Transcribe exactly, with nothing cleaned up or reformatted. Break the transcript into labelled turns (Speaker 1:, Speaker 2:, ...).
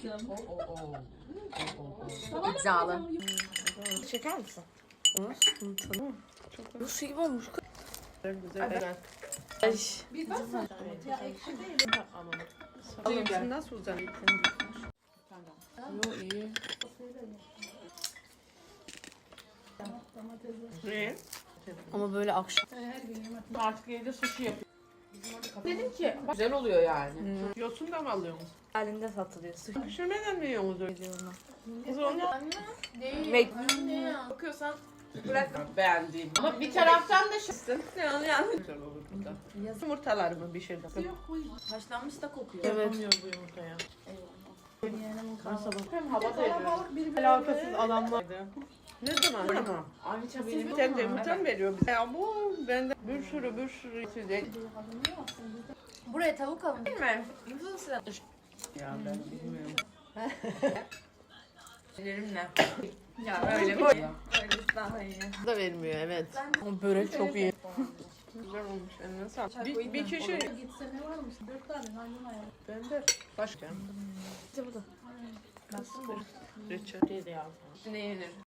Speaker 1: O o o.
Speaker 2: İddialı.
Speaker 3: Çeker misin? Bu su gibi olmuş.
Speaker 1: Güzel.
Speaker 3: Ay.
Speaker 1: Bir baksana. Ya ekşi değil.
Speaker 3: Alın nasıl uzanıyor?
Speaker 1: Yo iyi.
Speaker 3: Ne? Ama böyle akşam.
Speaker 1: Artık evde sushi yapıyor. Dedim ki güzel oluyor yani.
Speaker 3: Yosun da mı alıyorsunuz?
Speaker 2: Halinde satılıyor. Su.
Speaker 3: Pişirmeden mi yiyorsunuz öyle? Kız onu
Speaker 2: Ve
Speaker 1: Bakıyorsan bırak beğendiğim. Ama bir taraftan da şu.
Speaker 3: yani yani. Güzel olur burada. Yumurtalarımı pişirdim.
Speaker 2: haşlanmış da kokuyor.
Speaker 3: Evet.
Speaker 1: Yapamıyor bu yumurtaya.
Speaker 3: Hem hava veriyor. Alakasız adam vardı. Ne zaman? Ne zaman?
Speaker 1: Ayça benim.
Speaker 3: Sen de yumurta mı veriyor bize? Ya bu bende bir sürü bir sürü size.
Speaker 2: Buraya tavuk alın değil mi? Nüfus
Speaker 3: Ya ben bilmiyorum.
Speaker 2: Ellerimle.
Speaker 3: Ya öyle mi?
Speaker 2: Öyle daha iyi.
Speaker 3: Da vermiyor evet. Ama börek çok iyi. Güzel olmuş. Eline sağlık. Bir, bir kişi.
Speaker 4: Gitse ne varmış? Dört tane hangi hayal?
Speaker 3: Ben de. Başka.
Speaker 2: İşte bu da.
Speaker 3: Reçel.
Speaker 1: Ne yenir?